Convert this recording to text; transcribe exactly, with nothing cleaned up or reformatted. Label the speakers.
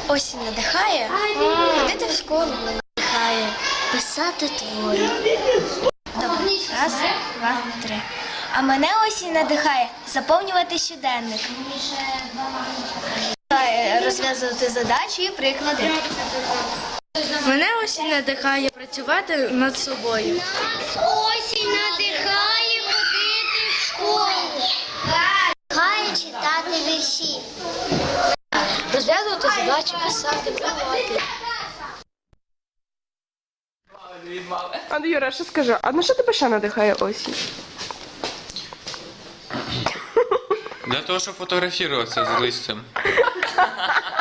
Speaker 1: Осінь надихає ходити в школу, надихає писати твори. Добре. Раз, два, три. А мене осінь надихає заповнювати щоденник. Розв'язувати задачі і приклади.
Speaker 2: Мене осінь надихає працювати над собою.
Speaker 3: Осінь надихає ходити в школу. Надихає читати вірші.
Speaker 1: Розв'язувати задачі, писати, малювати.
Speaker 4: А Юра, що скажи, а на що тебе ще надихає осінь?
Speaker 5: Для того, щоб фотографуватися з листям.